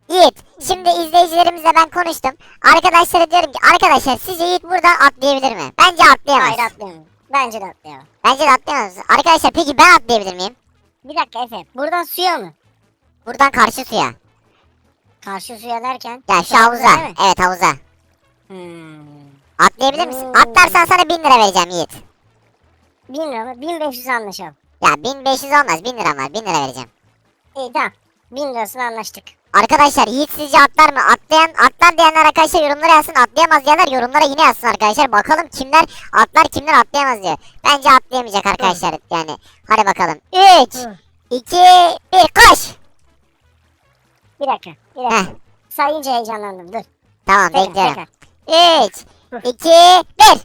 Yiğit, şimdi izleyicilerimizle ben konuştum. Arkadaşlara diyorum ki arkadaşlar sizce Yiğit buradan atlayabilir mi? Bence atlayamaz. Hayır atlayamam. Bence de atlayamam. Bence de atlayamaz. Arkadaşlar peki ben atlayabilir miyim? Bir dakika Efe. Buradan suya mı? Buradan karşı suya. Karşı suya derken? Ya şu havuza. değil mi? Evet havuza. Hmm. Atlayabilir misin? Hmm. Atlarsan sana 1000 lira vereceğim Yiğit. 1000 lira mı? 1500 anlaşalım. Ya 1500 olmaz, 1000 lira var. 1000 lira vereceğim. İyi tamam. 1000 lirasını anlaştık. Arkadaşlar Yiğit sizce atlar mı? Atlar diyenler arkadaşlar yorumlara yazsın. Atlayamaz diyenler yorumlara yine yazsın arkadaşlar. Bakalım kimler atlar kimler atlayamaz diyor. Bence atlayamayacak arkadaşlar yani. Hadi bakalım. 3, Hı. 2, 1 koş. Bir dakika. Bir dakika. Heh, Sayınca heyecanlandım. Dur. tamam Tekrar, bekliyorum. tekrar. 3, 2, 1.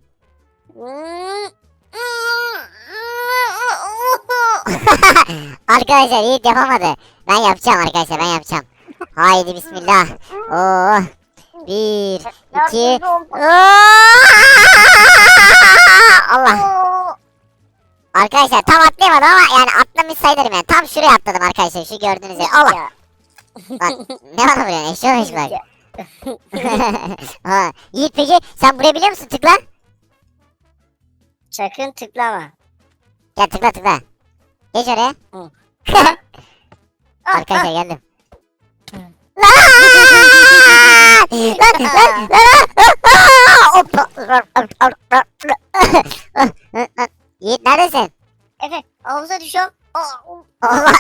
Arkadaşlar Yiğit yapamadı. Ben yapacağım arkadaşlar, ben yapacağım. Haydi bismillah. Oo. 1, 2. Allah. Arkadaşlar tam atlayamadım ama yani atlamış sayılırım yani. Tam şuraya atladım arkadaşlar, şu gördüğünüz yer. Allah. Ya. Lan ne bana vuruyorsun? Eşya olmuş bak. Ha, Yiğit peki sen burayı biliyor musun? Tıkla. Sakın tıklama. Gel tıkla tıkla. Geç oraya. Hı. Arkadaşlar geldim. Hı. Hoppa. Yiğit neredesin? Efe havuza düşüyorum. Allah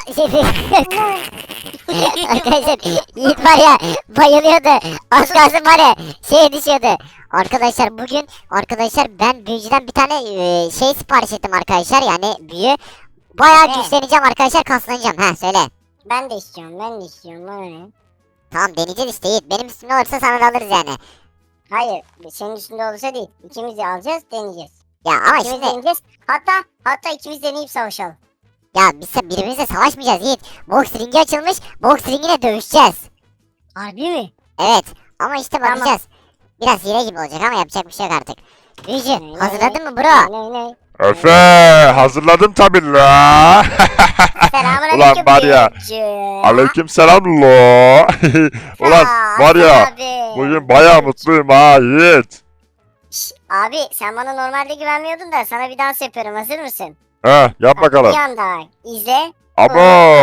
arkadaşlar Yiğit var ya bayılıyordu. Az kalsın var ya şeye düşüyordu. Arkadaşlar bugün ben büyücüden bir tane şey sipariş ettim arkadaşlar, yani büyü. Bayağı Ne? güçleneceğim arkadaşlar, kaslanacağım. Ha söyle. Ben de istiyorum. Ben de istiyorum. Bana ne? Tamam deneyeceğiz işte Yiğit. Benim üstümde olursa sana da alırız yani. Hayır. Senin üstünde olursa değil. İkimiz de alacağız. Deneyeceğiz. Ya ama İkimiz şimdi deneyeceğiz. Hatta ikimiz deneyip savaşalım. ya biz birbirimizle savaşmayacağız Yiğit. Boks ringi açılmış. Boks ringine dövüşeceğiz. Harbi mi? Evet ama işte Tamam. bakacağız. Biraz hile gibi olacak ama yapacak bir şey yok artık. Büyücü Ne? hazırladın mı bro? Ne? Efe hazırladım tabii la. Selamünaleyküm. Ulan var ya. büyücü. Aleyküm selam lo. Ulan Aa, var ya abi. bugün bayağı mutluyum ha Yiğit. Abi sen bana normalde güvenmiyordun da sana bir dans yapıyorum. Hazır mısın? Yap bakalım. Bir anda izle. Abo.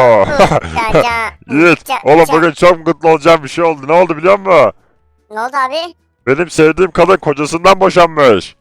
Yiğit oğlum bugün çok mutlu olacağım bir şey oldu. Ne oldu biliyor musun? Ne oldu abi? Benim sevdiğim kadın kocasından boşanmış.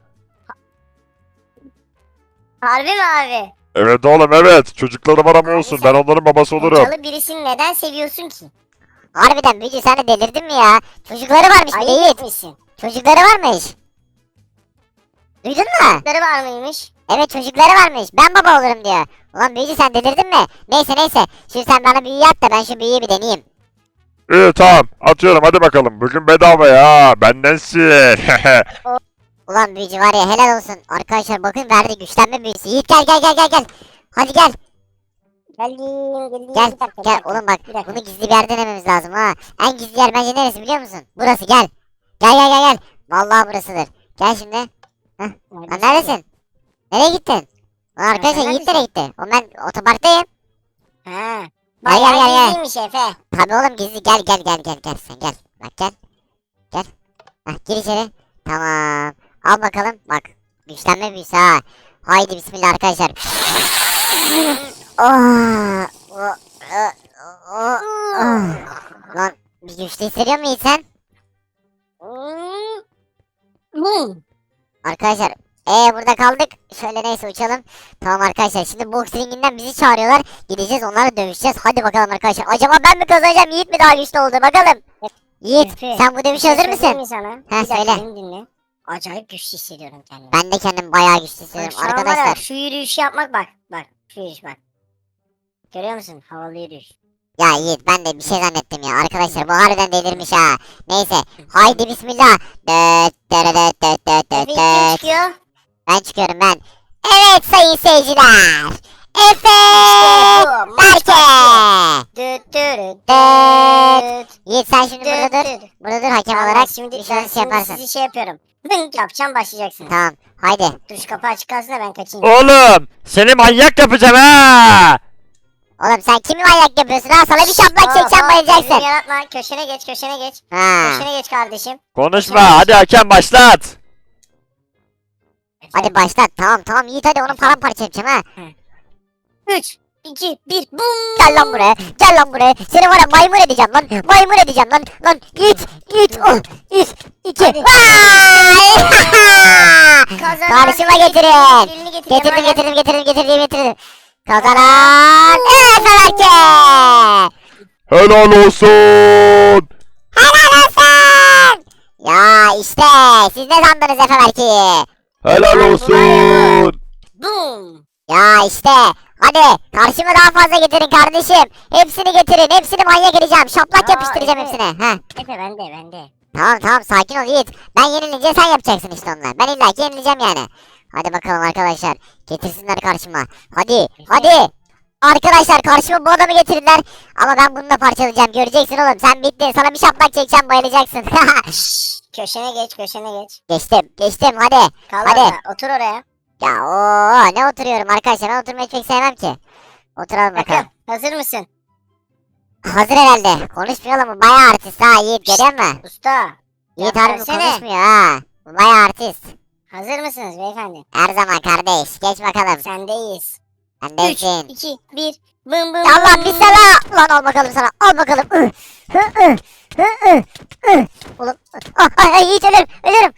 Harbi mi abi? Evet oğlum evet. Çocuklarım aram olsun. Ben onların babası olurum. Kocalı birisini neden seviyorsun ki? Harbiden büyücü sen de delirdin mi ya? Çocukları varmış bir de Ayıp Yiğit. etmişsin. Çocukları varmış. Duydun mu? Çocukları var mıymış? Evet çocukları varmış. Ben baba olurum diyor. Ulan büyücü sen delirdin mi? Neyse. Şimdi sen bana büyü yap da ben şu büyüyü bir deneyeyim. İyi tamam atıyorum hadi bakalım. Bugün bedava ya. Bendensin. Ulan büyücü var ya helal olsun. Arkadaşlar bakın verdi güçlenme büyüsü. Yiğit gel. Hadi gel. Geldim. Gel Bir dakika, bir gel dakika. oğlum bak Bir dakika. bunu gizli bir yerde denememiz lazım ha. En gizli yer bence neresi biliyor musun? Burası gel. Gel. Vallahi burasıdır. Gel şimdi. Lan neredesin? Nereye gittin? Lan arkadaşlar sen Yiğit nereye gitti? Oğlum ben otoparktayım. Ha. Gel. Bayağı gizliymiş Efe. Tabii oğlum gizli gel sen gel. Bak gel. Heh, gir içeri. Tamam. Al bakalım bak. Güçlenme büyüsü ha. Haydi bismillah arkadaşlar. Oh, oh, oh, oh. Lan bir güçlü hissediyor musun sen? Arkadaşlar burada kaldık. Şöyle neyse uçalım. Tamam arkadaşlar şimdi boks ringinden bizi çağırıyorlar. Gideceğiz onlarla dövüşeceğiz. Hadi bakalım arkadaşlar. Acaba ben mi kazanacağım Yiğit mi daha güçlü oldu bakalım. Yiğit Efe, sen bu dövüşe hazır mısın? Mi sana? Ha, Bir dakika, söyle. beni dinle. Acayip güçlü hissediyorum kendimi. Ben de kendim bayağı güçlü Bak, hissediyorum şu an var ya, arkadaşlar. şu yürüyüşü yapmak bak. Bak şu yürüyüş bak. Görüyor musun? Havalı yürüyüş. Ya Yiğit ben de bir şey zannettim ya. Arkadaşlar bu harbiden delirmiş ha. Neyse. Haydi bismillah. Efe kim çıkıyor? Ben çıkıyorum ben. Evet sayın seyirciler. Efe bu, maç Berke. Düt dürüt Düt. düt. Yiğit sen şimdi burada dur. Düt düt. Burada dur hakem Tamam, olarak. şimdi Bir ben şey şimdi yaparsın. sizi şey yapıyorum. Hınk yapacağım başlayacaksınız. Tamam. Haydi. Dur şu kapı açık kalsın da ben kaçayım. Oğlum seni manyak yapacağım ha. Oğlum sen kimi manyak yapıyorsun ha? Sana bir şaplak çekeceğim bayılacaksın. Kendini yaratma. Köşene geç, köşene geç. Ha. Köşene geç kardeşim. Konuşma hadi hakem başlat. Hadi başlat. Tamam Yiğit hadi onu paramparça yapacağım ha. 3, 2, 1, bum. Gel lan buraya. Gel lan buraya. Seni var ya maymun edeceğim lan. Maymun edeceğim lan. Lan Yiğit. Oh. 3, 2. Hadi. Kazanan Karşıma Yiğit, getirin. dilini getir, Getirdim. Kazanan Efe Berke. Helal olsun. Helal olsun. Ya işte siz ne sandınız Efe Berke'yi? Helal olsun. Bum. Ya işte hadi karşıma daha fazla getirin kardeşim. Hepsini getirin. Hepsini manyak edeceğim. Şaplak Aa, yapıştıracağım Efe. hepsine. Heh. Efe bende. Tamam sakin ol Yiğit. Ben yenilince sen yapacaksın işte onunla. Ben illaki yenileceğim yani. Hadi bakalım arkadaşlar. Getirsinler karşıma. Hadi. Arkadaşlar karşıma bu adamı getirdiler. Ama ben bunu da parçalayacağım. Göreceksin oğlum. Sen bittin. Sana bir şaplak çekeceğim bayılacaksın. Köşene geç. Geçtim hadi. Kal Hadi. orada, otur oraya. Ya ne oturuyorum arkadaşlar. Ben oturmayı pek sevmem ki. Oturalım bakalım. Bakın, hazır mısın? Hazır herhalde. Konuşmuyor ama bayağı artist ha Yiğit görüyor musun? Usta. Yiğit Ya harbi versene. konuşmuyor ha. Bu bayağı artist. Hazır mısınız beyefendi? Her zaman kardeş. Geç bakalım. Sendeyiz. Sen 3, değilsin. 2, 1, bım bım. Ya Allah bım. bir sana. Lan al bakalım sana. Al bakalım. Oğlum. Yiğit ölürüm.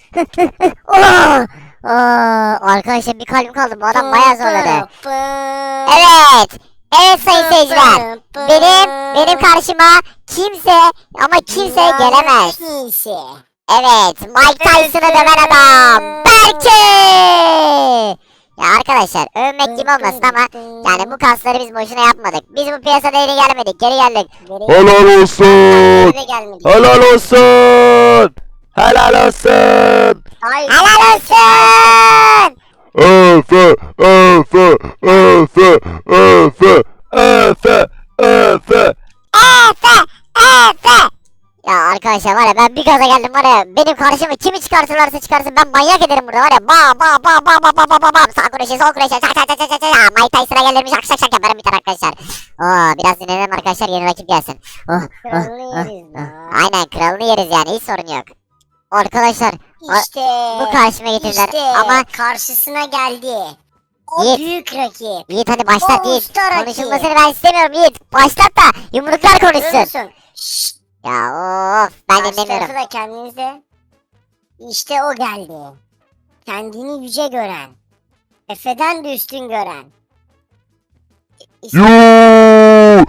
Arkadaşlar bir kalbim kaldı. Bu adam bayağı zorladı. Evet. Evet sayın seyirciler. Benim karşıma kimse gelemez. Kimse. Evet, Mike Tyson'ı döven adam. Berke! Ya arkadaşlar övmek gibi olmasın ama yani bu kasları biz boşuna yapmadık. Biz bu piyasada yeni gelmedik, geri geldik. Helal olsun. Geri gelmedik. Helal olsun. Helal olsun. Hayır. Helal olsun! Efe. Efe! Ya arkadaşlar var ya ben bir gaza geldim var ya benim karşıma kimi çıkartırlarsa çıkarsın ben manyak ederim burada var ya sağ kuruşu sol kuruşu çak Mike Tyson'a gelirmiş şak yaparım bir tane arkadaşlar. Biraz dinlenelim arkadaşlar yeni rakip gelsin. Kralını yeriz lan. Aynen kralını yeriz yani hiç sorun yok. Arkadaşlar İşte. bu karşıma getirdiler İşte. ama Karşısına geldi. O Yiğit. büyük rakip. Yiğit hadi başlat O Yiğit. usta rakip. Konuşulmasını ben istemiyorum Yiğit. Başlat da yumruklar konuşsun. Görüyorsun. Şşt. Ya of ben Karşı dinlemiyorum. tarafı da kendinize. İşte o geldi. Kendini yüce gören. Efe'den de üstün gören. İşte Yuu.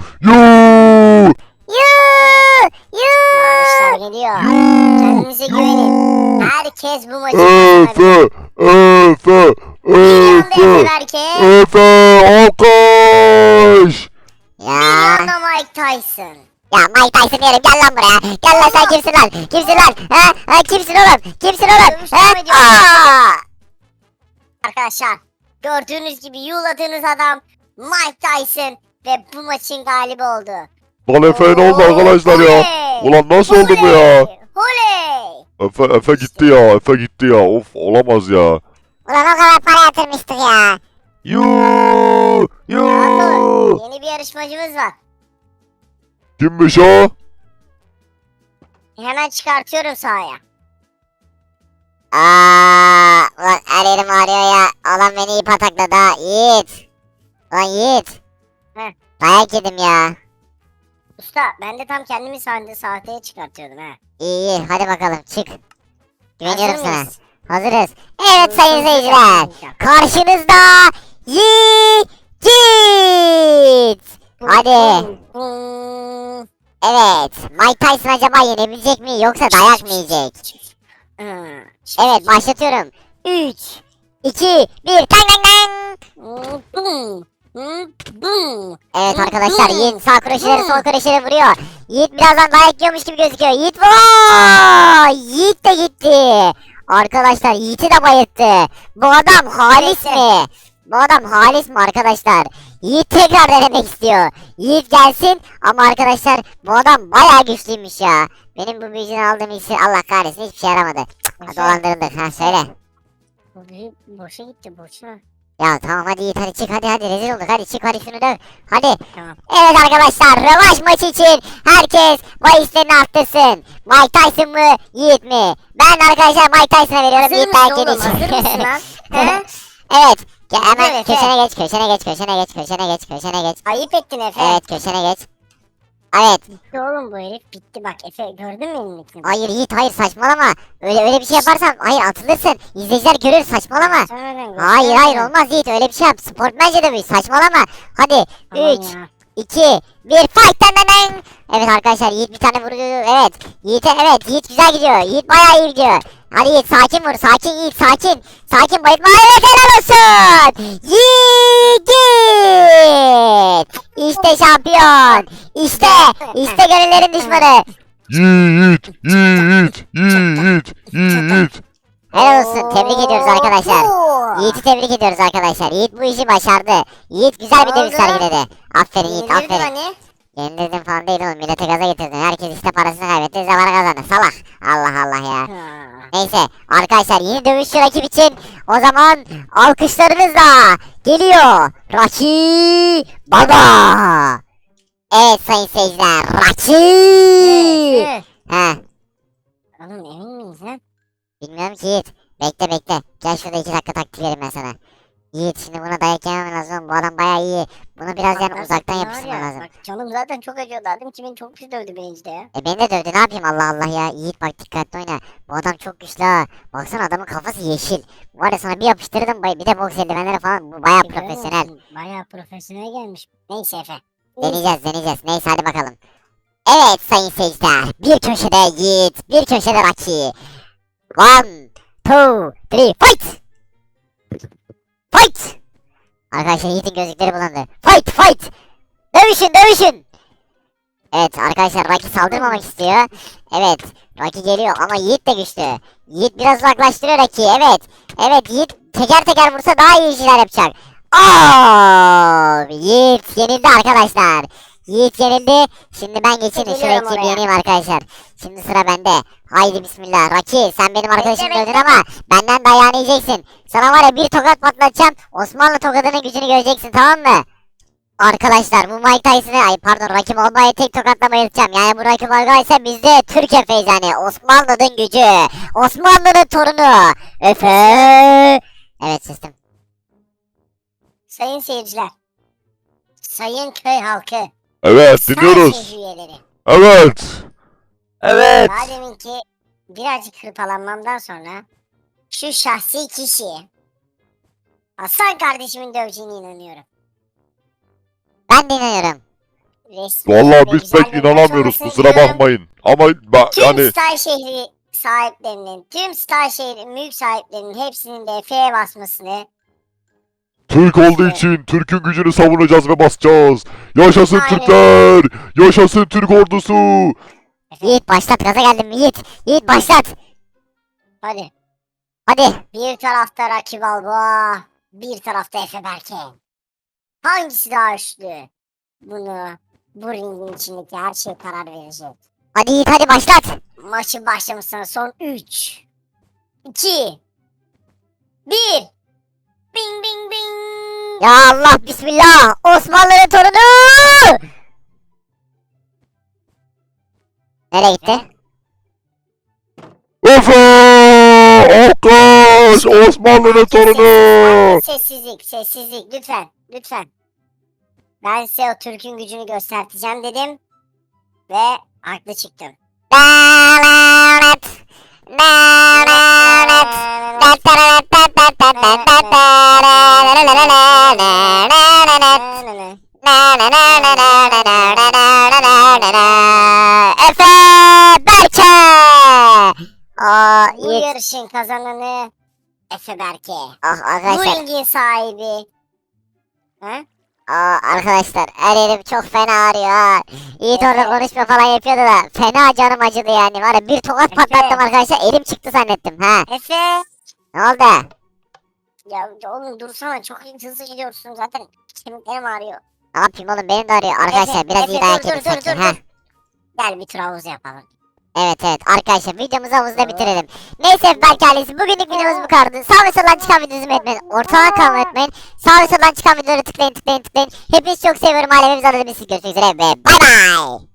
Bağışlar geliyor. Kendinize güvenin. Herkes bu maçı Efe. Efe belki. Efe. Alkış. Ya. Milyonda Mike Tyson. Ya Mike Tyson diyelim gel lan buraya. Gel lan sen kimsin lan? Kimsin lan? Kimsin oğlum? Kimsin oğlum? Dövüş devam ediyor. Arkadaşlar gördüğünüz gibi yuladığınız adam Mike Tyson ve bu maçın galibi oldu. Lan Efe'ye ne oldu arkadaşlar ya? Oley! Ulan nasıl oldu bu ya? Oley! Efe gitti ya. Efe gitti ya. Of olamaz ya. Ulan o kadar para yatırmıştık ya. Yuu. Yeni bir yarışmacımız var. Kimmiş o? Hemen çıkartıyorum sahaya. Ulan her yerim ağrıyor ya. Adam beni iyi patakladı ha. Yiğit. Ulan Yiğit. Heh. Dayak yedim ya. Usta ben de tam kendimi sahteye çıkartıyordum ha. İyi hadi bakalım çık. Güveniyorum Hazır sana. mıyız? Hazırız. Evet sayın seyirciler. Karşınızda Yiğit. Hadi. Bum. Evet. Mike Tyson acaba yenebilecek mi yoksa dayak mı yiyecek? Evet başlatıyorum. 3, 2, 1. Tang tang tang. Bum. Bum. Evet arkadaşlar Yiğit sağ kroşeleri sol kroşeleri vuruyor. Yiğit birazdan dayak yiyormuş gibi gözüküyor. Yiğit vaa! Yiğit de gitti. Arkadaşlar Yiğit'i de bayılttı. Bu adam halis mi? Bu adam halis mi arkadaşlar? Yiğit tekrar denemek istiyor. Yiğit gelsin ama arkadaşlar bu adam bayağı güçlüymüş ya. Benim bu büyücünü aldığım iksir Allah kahretsin hiçbir şey yaramadı. Dolandırıldık ha söyle. Bu büyük boşa gitti boşa. Ya tamam hadi Yiğit hadi çık hadi rezil olduk hadi çık hadi şunu döv. Hadi. Tamam. Evet arkadaşlar rövanş maçı için herkes bahislerini arttırsın. Mike Tyson mı Yiğit mi? Ben arkadaşlar Mike Tyson'a veriyorum. Hazır Yiğit mısın belki oğlum? Hazır mısın lan? He? Evet. Hemen Evet, köşene geç köşene geç. Ayıp ettin Efe. Evet köşene geç. Evet. Bitti oğlum bu herif bitti bak Efe gördün mü elindekini? Hayır Yiğit hayır saçmalama. Öyle bir şey yaparsan hayır atılırsın. İzleyiciler görür saçmalama. Sonradan Hayır olmaz Yiğit öyle bir şey yap. Sportmence de bu saçmalama. Hadi Tamam 3 ya. 2 1 fight dan. Evet arkadaşlar Yiğit bir tane vurdu. Evet. Yiğit güzel gidiyor. Yiğit bayağı iyi gidiyor. Hadi Yiğit sakin vur. Sakin Yiğit sakin. Sakin bayılma. Evet helal olsun. Yiğit. İşte şampiyon. İşte gönüllerin düşmanı. Yiğit. Helal olsun. Tebrik ediyoruz arkadaşlar. Oo. Yiğit'i tebrik ediyoruz arkadaşlar. Yiğit bu işi başardı. Yiğit güzel bir dövüş Oldu. sergiledi. Aferin Yiğit Yenilirdim aferin. hani. Yenildim falan değil oğlum. Millete gaza getirdin. Herkes işte parasını kaybetti. Zamanı kazandı. Salak. Allah Allah ya. Ha. Neyse arkadaşlar yeni dövüşçü rakip için o zaman alkışlarınızla geliyor. Rocky Balboa. Evet sayın seyirciler. Rocky. Evet. He. Oğlum emin miyiz lan? Bilmiyorum ki Yiğit. Bekle. Gel şurada 2 dakika taktik vereyim ben sana. Yiğit şimdi buna dayak yemem lazım. Bu adam bayağı iyi. Bunu biraz yani Bak, uzaktan var yapıştırman ya, lazım. Bak canım zaten çok acıyordu. Adam kimin çok pis dövdü beni işte ya. Beni de dövdü ne yapayım Allah Allah ya. Yiğit bak dikkatli oyna. Bu adam çok güçlü ha. Baksana adamın kafası yeşil. Var ya sana bir yapıştırdım bir de boks eldivenleri falan. Bu bayağı Görüyor profesyonel. musun? Bayağı profesyonel gelmiş. Neyse Efe. Deneyeceğiz. Neyse hadi bakalım. Evet sayın seyirciler. Bir köşede Yiğit. Bir köşede Rocky. 1, 2, 3 fight. Fight. Arkadaşlar Yiğit'in gözlükleri bulandı. Fight. Dövüşün. Evet arkadaşlar Rocky saldırmamak istiyor. Evet Rocky geliyor ama Yiğit de güçlü. Yiğit biraz uzaklaştırıyor Rocky'yi. Evet Yiğit teker vursa daha iyi işler yapacak. Yiğit yenildi arkadaşlar. Yiğit yenildi. Şimdi ben geçeyim de şu Geliyorum Rocky'yi bir oraya. yeneyim arkadaşlar. Şimdi sıra bende. Haydi bismillah. Rocky sen benim arkadaşım Bekle. dövdün ama benden dayağını yiyeceksin. Sana var ya bir tokat patlatacağım. Osmanlı tokadının gücünü göreceksin tamam mı? Arkadaşlar bu Mike Rocky Balboa'yı tek tokatla bayılacağım. Yani bu Rocky Balboa ise biz de Türk Efe'yiz yani. Osmanlı'nın gücü. Osmanlı'nın torunu. Efe. Evet sistem. Sayın seyirciler. Sayın köy halkı. Evet Star dinliyoruz. şehri üyeleri. Evet. Daha deminki birazcık hırpalanmamdan sonra şu şahsi kişi Hasan kardeşimin döveceğine inanıyorum. Ben de inanıyorum. Resmi Vallahi ve biz güzel pek bir inanamıyoruz maç olmasını kusura diliyorum. bakmayın. Ama Tüm yani Star şehri sahiplerinin, tüm Star şehri mülk sahiplerinin hepsinin de F'ye basmasını Türk olduğu için Türk'ün gücünü savunacağız ve basacağız. Yaşasın Aynen. Türkler. Yaşasın Türk ordusu. Yiğit başlat gaza geldim mi Yiğit? Yiğit başlat. hadi. Hadi. Bir tarafta Rocky Balboa, bir tarafta Efe Berke. Hangisi daha güçlü? Bu ringin içindeki her şey karar verecek. Hadi Yiğit hadi başlat. Maçın başlamasına son 3, 2, 1. Bing bing bing. Ya Allah bismillah. Osmanlı'nın torunu. Nereye gitti? Efe! Alkış! Osmanlı'nın torunu! Sessizlik lütfen. Ben size o Türk'ün gücünü göstereceğim dedim ve haklı çıktım. Dalalet. Efe Berke. Bu yarışın kazananı Efe Berke. Ah Bu arkadaşlar. ringin sahibi. Ha? Arkadaşlar her yerim çok fena ağrıyor ha. Yiğit orada konuşma falan yapıyordu da fena canım acıdı yani. Var ya bir tokat Efe. patlattım arkadaşlar elim çıktı zannettim ha. Efe. Ne oldu? Ya oğlum dursana çok hızlı gidiyorsun zaten kemiklerim ağrıyor. Ne yapayım oğlum benim de ağrıyor. Arkadaşlar biraz Efe, iyi dayak dur, yedik dur, sanki dur, ha. dur. Gel bir tur havuz yapalım. Evet arkadaşlar videomuzu havuzda bitirelim. Neyse belki ailesi bugünlük videomuz bu kadardı. Sağ ve soldan çıkan videoyu izlemeyi unutmayın. Ortadan kalmayı unutmayın. Sağ ve soldan çıkan videoları tıklayın. Hepinizi çok seviyorum ailemiz adına. Görüşmek üzere ve bay bay.